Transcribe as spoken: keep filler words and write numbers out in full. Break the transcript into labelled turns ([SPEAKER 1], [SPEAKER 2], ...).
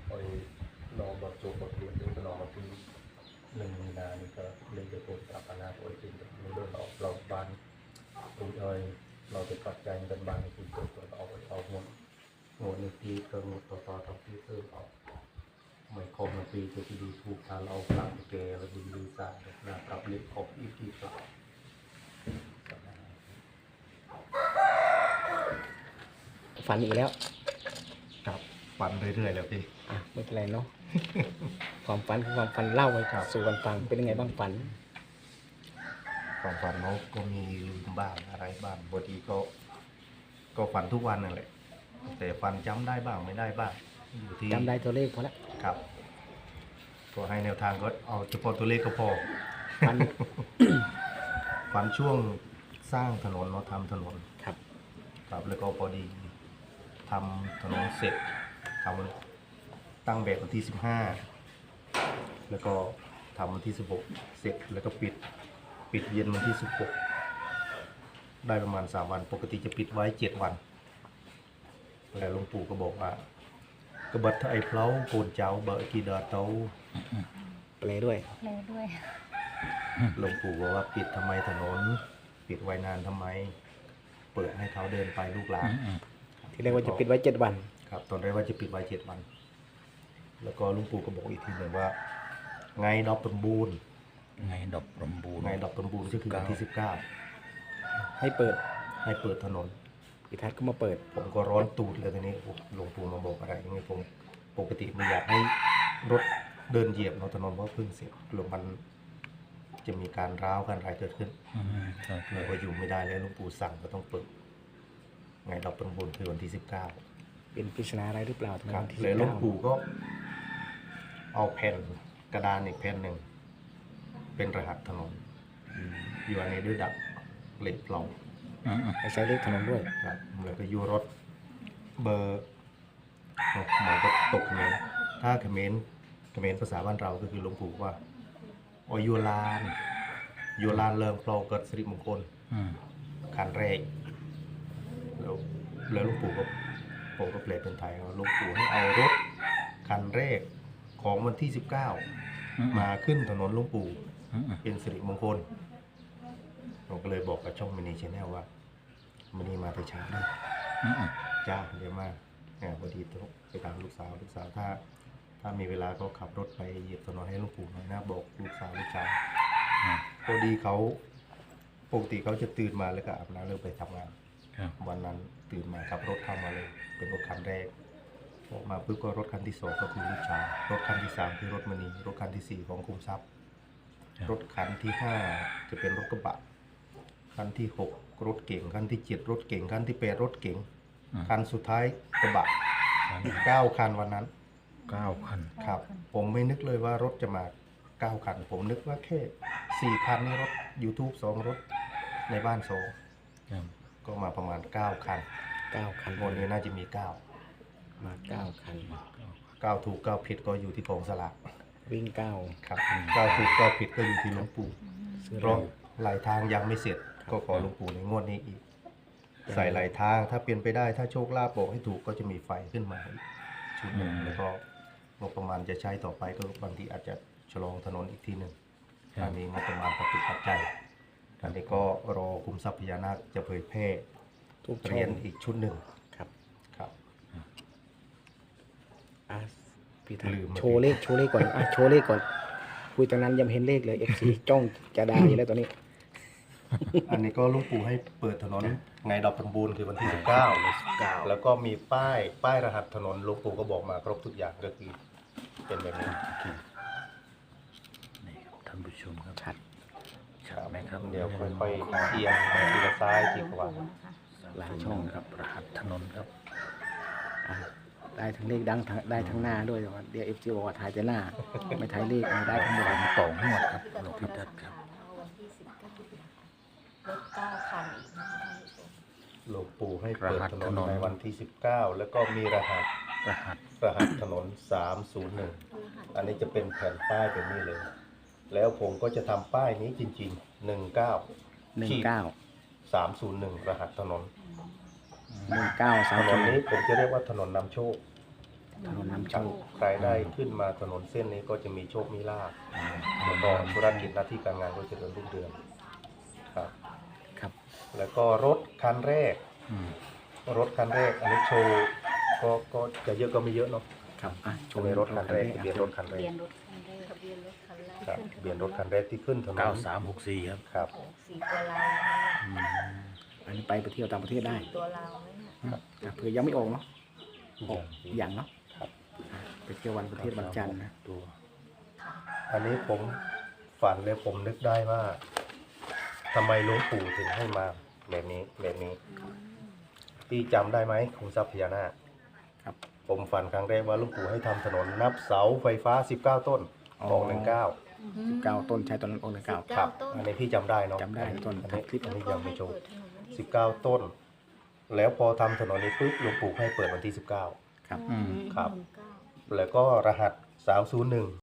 [SPEAKER 1] ไอ้น้องมาโจมมาเปลี่ยนเป็นน้องมาที่หนึ่งมีนานี่ก็เล่นจะโดนปรับอนาคตจริงเราเดินออกเราบ้านตรงเอยเราจะปัจจัยกันบ้านคือตัวตัวออกออกหมดหมดในปีเติมต่อต่อต่อปีเติมออกไม่ครบในปีจะที่ดีถูกทางเราปรับเกลเราดีดีสายนะปรับเล็กครบอีกทีปรับ
[SPEAKER 2] ฝันอีกแล้ว
[SPEAKER 1] ครับฝันเรื่อยๆแล้วพี่
[SPEAKER 2] อ่ะไม่เป็นไรเนาะ ความฝันคือความฝันเล่าไป
[SPEAKER 1] ครับ
[SPEAKER 2] สู่กันฟังเป็นยังไงบ้างฝัน
[SPEAKER 1] ความฝันเขาก็มีลืมบ้างอะไรบ้างบางทีก็ก็ฝันทุกวันนั่นแหละแต่ฝันจำได้บ้างไม่ได้บ้างอยู่ที่
[SPEAKER 2] จำได้ตัวเลขพอแล้ว
[SPEAKER 1] ครับก็ให้แนวทางก็เอาเฉพาะตัวเลขก็พอ
[SPEAKER 2] ฝัน
[SPEAKER 1] ฝันช่วงสร้างถนนเนาะทำถนน
[SPEAKER 2] ครับ
[SPEAKER 1] ครับแล้วก็พอดีทำถนนเสร็จทำตั้งแบบวันที่สิบห้าแล้วก็ทำวันที่สิบหกเสร็จแล้วก็ปิดปิดเย็นวันที่สิบหกได้ประมาณสามวันปกติจะปิดไว้เจ็ดวันแล้วหลวงปู่ก็บอกว่ากระบัดไอ้เพล้าโกนเจ้าเบอร์กีดาเต้า
[SPEAKER 2] แปลด้วย
[SPEAKER 3] แลด้วย
[SPEAKER 1] หลวงปู่บอกว่าปิดทำไมถนนปิดไว้นานทำไม เปิดให้เขาเดินไปลูกหลาน
[SPEAKER 2] ที่เรียกว่าจะปิดไว้เจ็ดวัน
[SPEAKER 1] ครับตอนแรกว่าจะปิดไว้เจ็ดวัน แล้วก็หลุงปู่ก็บอกอีกทีหนึ่งว่า ไงดอกสมบูรณ์
[SPEAKER 4] ไงดอกสมบูรณ์
[SPEAKER 1] ไงดอกสมบูรณ์ก็คือวันที่สิบเก้า
[SPEAKER 2] ให้เปิด
[SPEAKER 1] ให้เปิดถนน
[SPEAKER 2] พิทัศน์ก็มาเปิด
[SPEAKER 1] ผมก็ร้อนตูดเลยทีนี้โอ้หลวงปู่มาบอกอะไรอย่างนี้ผมปกติไม่อยากให้รถเดินเหยียบเนาะถนนเพราะเพิ่งเสร็จหรือมันจะมีการร้าวกันอะไรเกิดขึ้น
[SPEAKER 4] อืมใช่
[SPEAKER 1] เลยว่าอยู่ไม่ได้แล้วหลวงปู่สั่งก็ต้องเปิด ไงดอกสมบูรณ์คือวันที่สิบเก้า
[SPEAKER 2] เป็นปริศนาอะไรหรือเปล่าทำไม
[SPEAKER 1] ครับ
[SPEAKER 2] วันที่
[SPEAKER 1] เล
[SPEAKER 2] สิ
[SPEAKER 1] ย
[SPEAKER 2] บ
[SPEAKER 1] หลวง
[SPEAKER 2] เก้า
[SPEAKER 1] ปู่ก็เอาแผ่นกระดานอีกแผ่นหนึ่งเป็นรหัสถนนอยู่ในด้วยดับเหล็กเปล่า
[SPEAKER 4] อืมอืม
[SPEAKER 2] ให้ใช้เลขถนนด้วย
[SPEAKER 1] ครับแล้วก็ยูรถเบอร์หมายก็ตกเขมรถ้าเขมรเขมรภาษาบ้านเราก็คือหลวงปู่ว่าออยูลานยูลานเริ่มเปล่าเกิดสิริมงคล
[SPEAKER 4] อืม
[SPEAKER 1] คันแรกแล้วแล้วหลวงปู่ก็ผมก็แปลเป็นไทยว่าหลวงปู่ให้เอารถคันแรกของวันที่สิบเก้า
[SPEAKER 4] อืม
[SPEAKER 1] มาขึ้นถนนหลวงปู่
[SPEAKER 4] อืมอืม
[SPEAKER 1] เป็นสิริมงคลผมก็เลยบอกกับช่องมินิชแนลว่ามินิมาแต่เช้าเลย
[SPEAKER 4] อืมอืม
[SPEAKER 1] จ้าเดี๋ยวมาเนี่ยพอดีต้องไปตามลูกสาวลูกสาวถ้า ถ้ามีเวลาก็ขับรถไปเหยียบถนนให้หลวงปู่หน่อยนะบอกลูกสาวลูกชาย
[SPEAKER 4] อืม
[SPEAKER 1] พอดีเขาปกติเขาจะตื่นมาแล้วก็อาบน้ำเริ่มไปทำงาน
[SPEAKER 4] ครับ
[SPEAKER 1] วันนั้นตื่นมาขับรถเข้ามาเลย เป็นรถคันแรกออกมาปุ๊บก็รถคันที่สองก็คือลูกชายรถคันที่สามคือรถมณีรถคันที่สี่ของคุมทรัพย์ รถคันที่ห้าจะเป็นรถกระบะคันที่หกรถเก่งคันที่เจ็ดรถเก่งคันที่แปดรถเก่ง
[SPEAKER 4] อืม
[SPEAKER 1] คันสุดท้ายกระบะเก้าคันวันนั้น
[SPEAKER 4] เก้าคัน
[SPEAKER 1] ครับ ผมไม่นึกเลยว่ารถจะมาเก้าคัน ผมนึกว่าแค่สี่คันนี่รถ YouTube สองรถในบ้านสอง
[SPEAKER 4] ครับ
[SPEAKER 1] ก็มาประมาณเก้าคัน
[SPEAKER 2] เก้าคัน
[SPEAKER 1] งวดนี้น่าจะมีเก้า
[SPEAKER 2] มาเก้าคัน
[SPEAKER 1] เก้าถูกเก้าผิดก็อยู่ที่กองสลาก
[SPEAKER 2] วิ่งเก้า
[SPEAKER 1] ครับเก้าถูกเก้าผิดก็อยู่ที่หลวงปู่
[SPEAKER 2] ซื้อ
[SPEAKER 1] เพ
[SPEAKER 2] เรา
[SPEAKER 1] ราะหลายทางยังไม่เสร็จ ก็ขอหลวงปู่ในงวดนี้อีก ใส่หลายทางถ้าเปลี่ยนไปได้ถ้าโชคลาภบอกให้ถูกก็จะมีไฟขึ้นมาอีกชุดหนึ่งแล้วก็งบประมาณจะใช้ต่อไปก็บางทีอาจจะฉลองถนนอีกทีหนึ่งอันนี้งบประมาณปฏิปัจจัยอันนี้ก็รอคุมทรัพย์พญานาคจะเผยแพร่
[SPEAKER 2] ทุก
[SPEAKER 1] เห
[SPEAKER 2] ช่
[SPEAKER 1] รี
[SPEAKER 2] อย
[SPEAKER 1] ญ
[SPEAKER 2] ง
[SPEAKER 1] อีกชุดหนึ่ง
[SPEAKER 2] ครับ
[SPEAKER 1] ครับ
[SPEAKER 2] อ่ะพี่ทัศ
[SPEAKER 1] ลื
[SPEAKER 2] น์
[SPEAKER 1] มเมื่อกี้
[SPEAKER 2] โชว์เลขโชว์เลขก่อนอ่ะโชว์เลขก่อนคุยตอนนั้นยังไม่เห็นเลขเลยเอฟซีจ้องจะได้อยู่แล้วตอนนี้
[SPEAKER 1] อันนี้ก็หลุงปู่ให้เปิดถนนไงดอกสมบูรณ์คือวันที่สิบเก้าแล้วก็มีป้ายป้ายรหัสถนนหลุงปู่ก็บอกมาครบทุกอย่างก็คือเป็นแบบนี้
[SPEAKER 4] นี่ครับท่านผู้ชมครับ
[SPEAKER 2] ชัด
[SPEAKER 4] ชัดไหมครับ
[SPEAKER 1] เดี๋ยวค่อยๆเทียงไปทีละซ้ายทีขวา
[SPEAKER 2] หลายช่อง
[SPEAKER 4] ครับรหัสถนนครับ
[SPEAKER 2] อ่ะได้ทั้งเลขดังทั้งได้ทั้งหน้าด้วยแต่ว่าเดี๋ยวเอฟซีบอกว่าถ่ายแต่หน้า ไม่ถ่ายเลขเอาได้ทั้งหมด
[SPEAKER 4] ฟังต่องวดครับหลวงพี่ทัศน์ครับ
[SPEAKER 3] วันที่สิบเก้ารถเก้าคันอีกนะคะท่านผู้ชม
[SPEAKER 1] หลวงปู่ให้เปิดถนนในวันที่สิบเก้าแล้วก็มีรหัส
[SPEAKER 4] รหัส
[SPEAKER 1] รหัสถนนสามศูนย์หนึ่งอันนี้จะเป็นแผ่นป้ายเป็นนี่เลย แล้วผมก็จะทำป้ายนี้จริงๆหนึ่งเก้า
[SPEAKER 2] หนึ่งเก้า
[SPEAKER 1] สามศูนย์หนึ่งรหัสถนน
[SPEAKER 2] หนึ่งเก้าสา
[SPEAKER 1] ถ
[SPEAKER 2] ม
[SPEAKER 1] นนนี้ผมจะเรียกว่าถนนนำโชค
[SPEAKER 2] ถนนนำโชค
[SPEAKER 1] ใครได้ขึ้นมาถนนเส้นนี้ก็จะมีโชคมีลาภแล้วก็ธุรกิจหน้าที่การงานก็จะเดินรุ่งเรืองครับ
[SPEAKER 2] ครับ
[SPEAKER 1] แล้วก็รถคันแรก
[SPEAKER 4] อืม
[SPEAKER 1] รถคันแรกอันนี้โชว์ก็ก็จะเยอะก็ไม่เยอะเนาะ
[SPEAKER 2] ครับอ่ะ
[SPEAKER 1] โชว์ในรถคันแรกทะเบียนรถคันแร
[SPEAKER 3] เบีย
[SPEAKER 1] ก
[SPEAKER 3] นรถคันแรกทะเบียนรถคันแรก
[SPEAKER 1] ครับ
[SPEAKER 3] ขึ้น
[SPEAKER 1] ทะเบียนรถคันแรกที่ขึ้นถน
[SPEAKER 4] เก้าน สามหกสี่ครับ
[SPEAKER 1] ครับ
[SPEAKER 3] โอ้สีตัวลาว
[SPEAKER 4] อืม
[SPEAKER 2] อันนี้ไปไปเที่ยวต่างประเทศได้
[SPEAKER 3] สีตัวลาวไหมเนี่ย
[SPEAKER 2] อ่ะเผื่อยังไม่ออกเนาะ
[SPEAKER 1] อย่าง
[SPEAKER 2] อย่างเนาะ
[SPEAKER 1] ครับ
[SPEAKER 2] ไปเที่ยววันประเทศวันจันทร์นะ
[SPEAKER 4] ตัว
[SPEAKER 1] อันนี้ผมฝันเลยผมนึกได้ว่าทำไมหลวงปู่ถึงให้มาแบบนี้แบบนี้ที่จำได้ไหมคุณทรัพย์พญานาค
[SPEAKER 2] ครับ
[SPEAKER 1] ผมฝันครั้งแรกว่าหลวงปู่ให้ทำถนนนับเสาไฟฟ้าสิบเก้าต้น
[SPEAKER 2] อ๋อ
[SPEAKER 1] ออกหนึ่งเก้า
[SPEAKER 2] สิบเก้าต้นใช้ต้นองค์หนึ่งเก้า
[SPEAKER 1] ครับ อันนี้พี่จำได้เนาะ
[SPEAKER 2] จำได้ต้น
[SPEAKER 1] อันนี้
[SPEAKER 2] คลิป
[SPEAKER 1] อันนี้
[SPEAKER 3] แล้วก็
[SPEAKER 1] ยังไม่
[SPEAKER 3] ให้
[SPEAKER 1] โชว์
[SPEAKER 3] เปิดถนนวันที่
[SPEAKER 1] สิบเก้าต้น แล้วพอทำถนนนี้ปุ๊บหลวงปู่ให้เปิดวันที่สิบเก้า
[SPEAKER 2] ครับ
[SPEAKER 4] อืม
[SPEAKER 1] ครับ
[SPEAKER 3] หนึ่งเก้า
[SPEAKER 1] แล้วก็รหัสสามศูนย์หนึ่ง